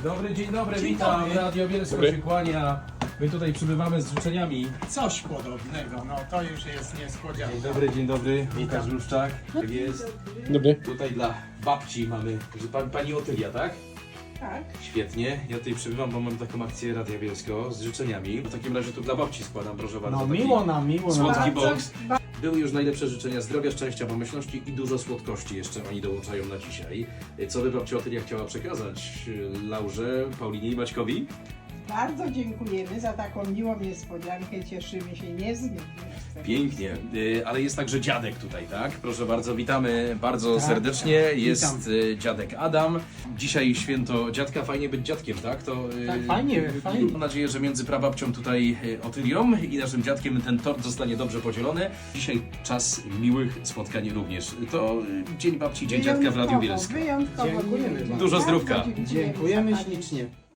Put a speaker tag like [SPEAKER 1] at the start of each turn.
[SPEAKER 1] Dzień dobry,
[SPEAKER 2] Dzień
[SPEAKER 1] witam.
[SPEAKER 2] dobry.
[SPEAKER 1] Radio Bielsko się kłania. My tutaj przybywamy z życzeniami.
[SPEAKER 2] Coś podobnego, no to już jest niespodzianka.
[SPEAKER 1] Dzień dobry. Łukasz Ruszczak. Tak jest.
[SPEAKER 3] Dobry.
[SPEAKER 1] Tutaj dla babci mamy, że pani Otylia, tak?
[SPEAKER 4] Tak.
[SPEAKER 1] Świetnie. Ja tutaj przybywam, bo mam taką akcję Radia Bielsko z życzeniami. W takim razie tu dla babci składam, proszę bardzo.
[SPEAKER 2] No
[SPEAKER 1] taki
[SPEAKER 2] miło nam.
[SPEAKER 1] Słodki
[SPEAKER 4] Bardzo-
[SPEAKER 1] boks. Były już najlepsze życzenia zdrowia, szczęścia, pomyślności i dużo słodkości jeszcze oni dołączają na dzisiaj. Co by babcia Otylia chciała przekazać Laurze, Paulinie i Maćkowi?
[SPEAKER 4] Bardzo dziękujemy za taką miłą niespodziankę. Cieszymy się niezmiernie.
[SPEAKER 1] Pięknie, ale jest także dziadek tutaj, tak? Proszę bardzo, witamy bardzo
[SPEAKER 2] Tak,
[SPEAKER 1] serdecznie. Jest
[SPEAKER 2] witam.
[SPEAKER 1] dziadek Adam. Dzisiaj święto dziadka, fajnie być dziadkiem, tak? To
[SPEAKER 2] Tak, fajnie.
[SPEAKER 1] Mam nadzieję, że między prababcią tutaj Otylią i naszym dziadkiem ten tort zostanie dobrze podzielony. Dzisiaj czas miłych spotkań również. To Dzień Babci, Dzień Dziadka w Radiu Bielsku.
[SPEAKER 4] Wyjątkowo
[SPEAKER 2] Dziękujemy
[SPEAKER 4] miły dzień.
[SPEAKER 2] bardzo.
[SPEAKER 1] Dużo
[SPEAKER 4] Bardzo
[SPEAKER 1] zdrówka.
[SPEAKER 4] dziękujemy
[SPEAKER 2] Dziękujemy
[SPEAKER 4] za pamięć.
[SPEAKER 2] ślicznie.